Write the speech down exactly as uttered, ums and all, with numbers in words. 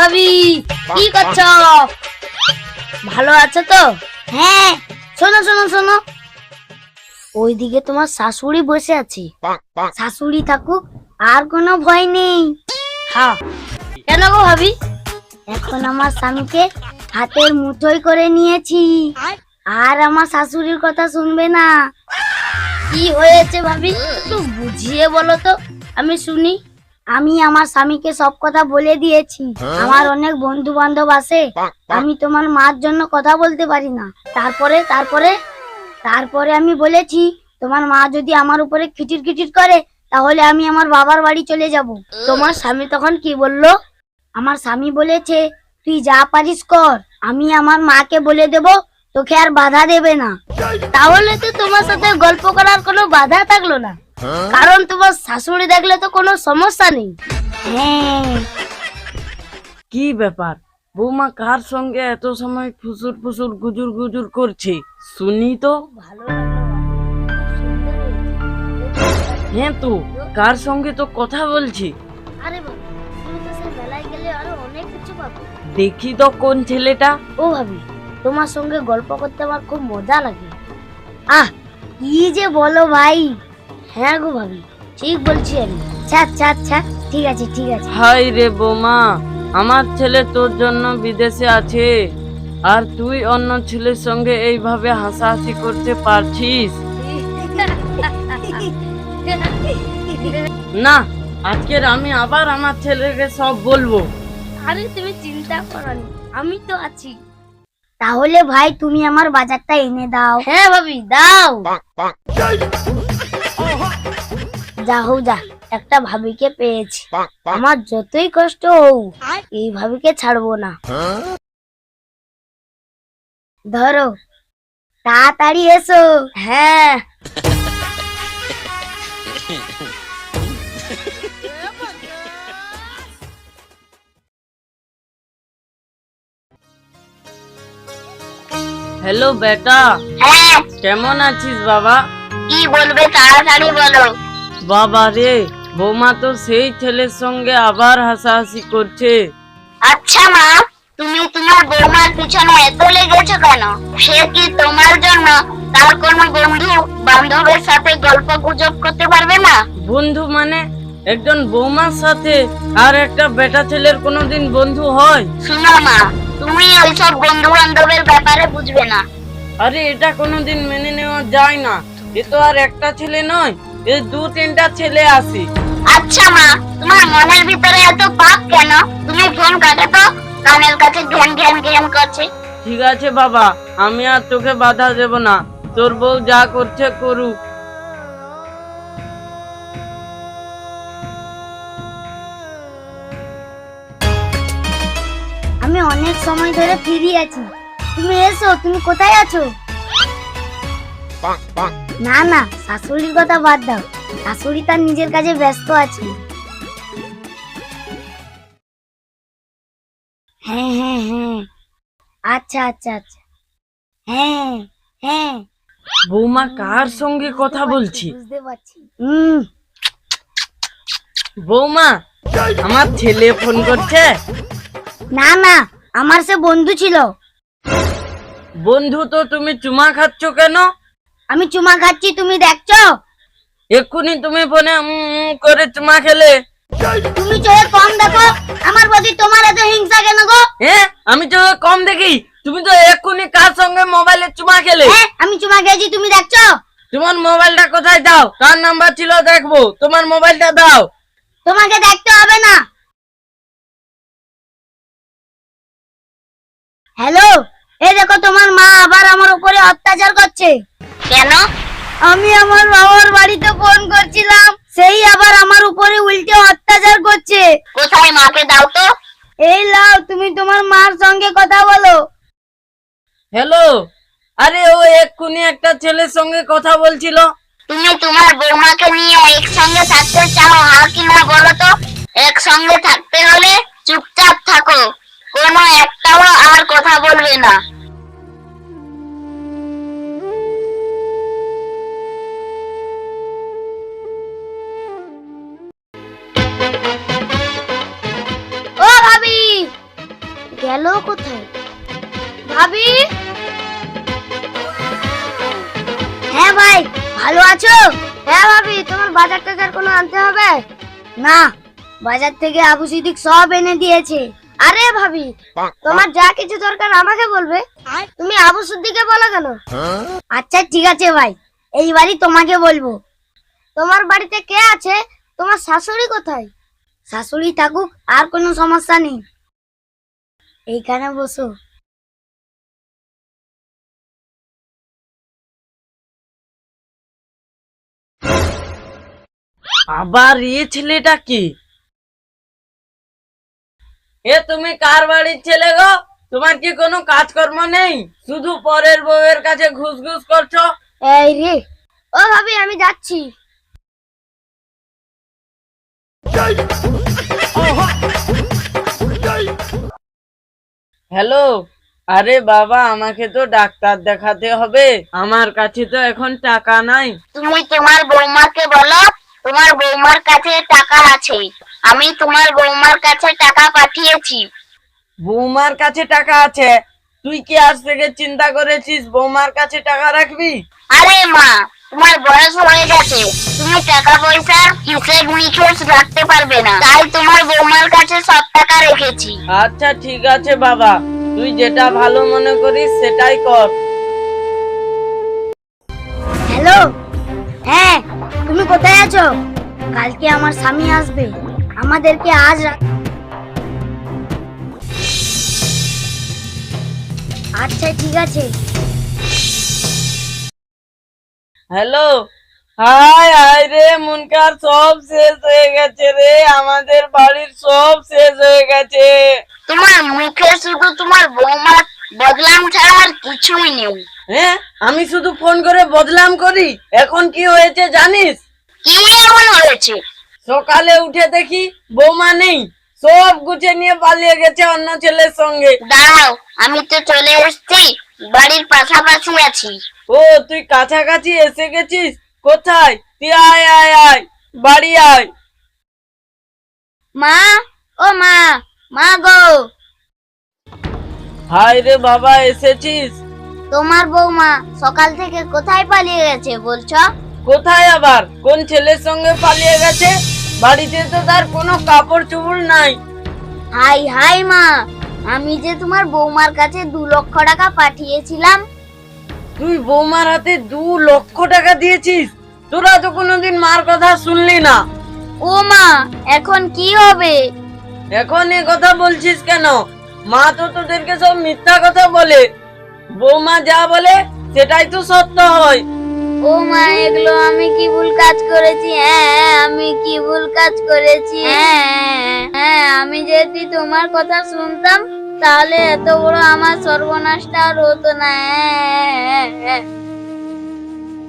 ভাবি, কি করছো? ভালো আছো তো? হ্যাঁ, শোনো শোনো শোনো, ওইদিকে তোমার শাশুড়ি বসে আছে। শাশুড়ি থাকুক, আর কোনো ভয় নেই। হ্যাঁ, কেন গো ভাবি? এখন আমার স্বামীকে হাতের মুঠোয় করে নিয়েছি, আর আমার শাশুড়ির কথা শুনবে না। কি হয়েছে ভাবি, একটু বুঝিয়ে বলো তো, আমি শুনি। আমি আমার স্বামীকে সব কথা বলে দিয়েছি। আমার অনেক বন্ধু বান্ধব আছে, আমি তোমার মার জন্য কথা বলতে পারি না। তারপরে তারপরে তারপরে আমি বলেছি, তোমার মা যদি আমার উপরে খিটির খিটির করে, তাহলে আমি আমার বাবার বাড়ি চলে যাব। তোমার স্বামী তখন কি বললো? আমার স্বামী বলেছে, তুই যা পারিস কর, আমি আমার মাকে বলে দেব, তোকে আর বাধা দেবে না। তাহলে তো তোমার সাথে গল্প করার কোনো বাধা থাকলো না, কারণ তোমার শাশুড়ি দেখলে তো কোনো সমস্যা নেই। হ্যাঁ, কি ব্যাপার, বৌমা কার সঙ্গে এত সময় ফুসুর ফুসুর গুজুর গুজুর করছে? শুনি তো। ভালো লাগলো, সুন্দর হয়েছে। হ্যাঁ তো, কার সঙ্গে তো কথা বলছি। আরে বাবা, তুমি তো সে মেলায় গেলে আরো অনেক কিছু পাবে। দেখি তো কোন ছেলেটা। ও ভাবি, তোমার সঙ্গে গল্প করতে আমার খুব মজা লাগে। আহ, কি যে বলো ভাই। হ্যাঁ গো ভাবি, ঠিক বলছি আমি। আচ্ছা আচ্ছা আচ্ছা, ঠিক আছে ঠিক আছে। হাই রে বৌমা, আমার ছেলে তোর জন্য বিদেশে আছে, আর তুই অন্য ছেলের সঙ্গে এইভাবে হাসাহাসি করতে পারছিস না? আজকের আমি আবার আমার ছেলেকে সব বলবো। আরে তুমি চিন্তা করো না, আমি তো আছি। তাহলে ভাই তুমি আমার বাজারটা এনে দাও। হ্যাঁ ভাবি, দাও। যা হোক যা, একটা ভাবিকে পেয়েছি। আমার যতই কষ্ট হোক, এই ভাবিকে ছাড়বো না। ধরো, তাড়াতাড়ি এসো। হ্যাঁ, হ্যালো বেটা, হ্যাঁ, কেমন আছিস বাবা? কি বলবে তাড়াতাড়ি বলো। বাবা রে, বৌমা তো সেই ছেলের সঙ্গে আবার হাসাহাসি করছে। আচ্ছা মা, তুমি তোমার বৌমার পিছনে এত লেগেছো কেন? সে কি তোমার জন্য তার কোনো বন্ধু বান্ধবের সাথে গল্প গুজব করতে পারবে না? বন্ধু মানে? একজন বৌমার সাথে আর একটা বেটা ছেলের কোনোদিন বন্ধু হয়? শুনো মা, তুমি ওইসব বন্ধু বান্ধবের ব্যাপারে বুঝবে না। আরে এটা কোনোদিন মেনে নেওয়া যায় না। এ তো আর একটা ছেলে নয়, এ দু তিনটা ছেলে আছে। আচ্ছা মা, তোমার মনের ভিতরে এত পাপ কেন? তুমি ফোন কাটো তো, কানের কাছে ঘ্যান ঘ্যান ঘ্যান করছে। ঠিক আছে বাবা, আমি আর তোকে বাধা দেব না, তোর বউ যা করছে করুক। আমি অনেক সময় ধরে ফিরি আছি, তুমি এসো। তুমি কোথায় আছো? না না, শাশুড়ির কথা বাদ দাও, শাশুড়ি তার নিজের কাজে ব্যস্ত আছে। হ্যাঁ হ্যাঁ হ্যাঁ, আচ্ছা আচ্ছা আচ্ছা, হ্যাঁ হ্যাঁ, বৌমা কার সঙ্গে কথা বলছি? বুঝতে পারছি। হুম, বৌমা, আমার ছেলে ফোন করছে। না না, আমার সে বন্ধু ছিল। বন্ধু তো তুমি চুমা খাচ্ছ কেন? আমি চুমা খাচ্ছি, তুমি দেখছো? এক্ষুনি তুমি ফোনে উম উম করে চুমা খেলে। তুমি চোখে কম দেখো, আমার প্রতি তোমার এত হিংসা কেন গো? হ্যাঁ, আমি তো কম দেখি? তুমি তো এক্ষুনি কার সঙ্গে মোবাইলে চুমা খেলে? হ্যাঁ, আমি চুমা খেয়েছি, তুমি দেখছো? তোমার মোবাইলটা কোথায়? দাও, কার নাম্বার ছিল দেখবো। তোমার মোবাইলটা দাও। তোমাকে দেখতে হবে না। হ্যালো, এই দেখো তোমার মা আবার আমার উপরে অত্যাচার করছে। কেন? আমি আমার বাবার বাড়িতে ফোন করছিলাম, সেই আবার আমার উপরে উল্টে অত্যাচার করছে। কোথায় মাকে দাও তো। এই লাও, তুমি তোমার মার সঙ্গে কথা বলো। হ্যালো, আরে ও এক্ষুনি একটা ছেলের সঙ্গে কথা বলছিল। তুমি তোমার বৌমাকে নিয়ে একসঙ্গে থাকতে চাও, হ্যাঁ কি না বলো তো? একসঙ্গে থাকতে হলে চুপচাপ থাকো, কোনো একটাও আর কথা বলবে না। ও ভাবি, গেল কোথায়? ভাবি, হ্যাঁ ভাই, ভালো আছো? হ্যাঁ ভাবি, তোমার বাজার টাজার কোনো আনতে হবে না? বাজার থেকে আবু সিদ্দিক সব এনে দিয়েছে। আরে ভাবি, তোমার যা কিছু দরকার আমাকে বলবে, তুমি আবু সিদ্দিককে বলো কেন? আচ্ছা ঠিক আছে ভাই, এইবারই তোমাকে বলবো। তোমার বাড়িতে কে আছে? তোমার শাশুড়ি কোথায়? শাশুড়ি থাকুক, আর কোনো সমস্যা নেই, এইখানে বসো। আবার এই ছেলেটা কি? এ তুমি কার বাড়ির ছেলে গো? তোমার কি কোনো কাজকর্ম নেই? শুধু পরের বউয়ের কাছে ঘুষ ঘুষ করছো। এই রে, ও ভাবি আমি যাচ্ছি। হ্যালো, আরে বাবা, আমাকে তো ডাক্তার দেখাতে হবে, আমার কাছে তো এখন টাকা নাই। তুমি তোমার বৌমাকে বলো, তোমার বৌমার কাছে টাকা আছে। আমি তোমার বৌমার কাছে টাকা পাঠিয়েছি। বৌমার কাছে টাকা আছে? তুই কি আজ থেকে চিন্তা করেছিস বৌমার কাছে টাকা রাখবি? আরে মা, তোমার বয়স হয়ে গেছে, তুমি টাকা পয়সা হিসেব নিকেশ রাখতে পারবে না, তাই তোমার বৌমার কাছে সব টাকা রেখেছি। আচ্ছা ঠিক আছে বাবা, তুই যেটা ভালো মনে করিস সেটাই কর। হ্যালো, হ্যাঁ, তুমি কোথায় আছো? কালকে আমার স্বামী আসবে, আমাদেরকে আজ রাত- আচ্ছা ঠিক আছে। হ্যালো, হাই হাই রে মুনকার, সব শেষ হয়ে গেছে রে, আমাদের বাড়ির সব শেষ হয়ে গেছে। তোমার মুখে শুধু তোমার বৌমার বদলাম ছাড়া আর কিছুই নেই। হ্যাঁ, আমি শুধু ফোন করে বদলাম করি, এখন কি হয়েছে জানিস? কি এমন হয়েছে? সকালে উঠে দেখি বৌমা নেই, সব গুছে নিয়ে পালিয়ে গেছে অন্য ছেলের সঙ্গে। দাঁড়াও, আমি তো চলে এসেছি, বাড়ির পাশাপাশি আছি। ও, তুই কাছাকাছি এসে গেছিস? কোথায়? তুই আয় আয় আয়, বাড়ি আয়। মা, ও মা, মা গো, হাই রে বাবা, এসেছিস? তোমার বৌমা সকাল থেকে কোথায় পালিয়ে গেছে বলছো? কোথায় আবার কোন ছেলের সঙ্গে পালিয়ে গেছে? বাড়িতে তো তার কোনো কাপড় চোপড় নাই। হাই হাই মা, আমি যে তোমার বৌমার কাছে দু লক্ষ টাকা পাঠিয়েছিলাম। তুই বৌমার হাতে দু লক্ষ টাকা দিয়েছিস? তোরা তো কোনোদিন মার কথা শুনলি না। ও মা, এখন কি হবে? এখন এ কথা বলছিস কেন? মা তো তোদেরকে সব মিথ্যা কথা বলে, বৌমা যা বলে সেটাই তো সত্য হয়। ও মা, এগুলো আমি কি ভুল কাজ করেছি? হ্যাঁ, আমি কি ভুল কাজ করেছি? হ্যাঁ হ্যাঁ, আমি যদি তোমার কথা শুনতাম তাহলে এত বড় আমার সর্বনাশটা আর হতো না। হ্যাঁ, হ্যাঁ, হ্যাঁ।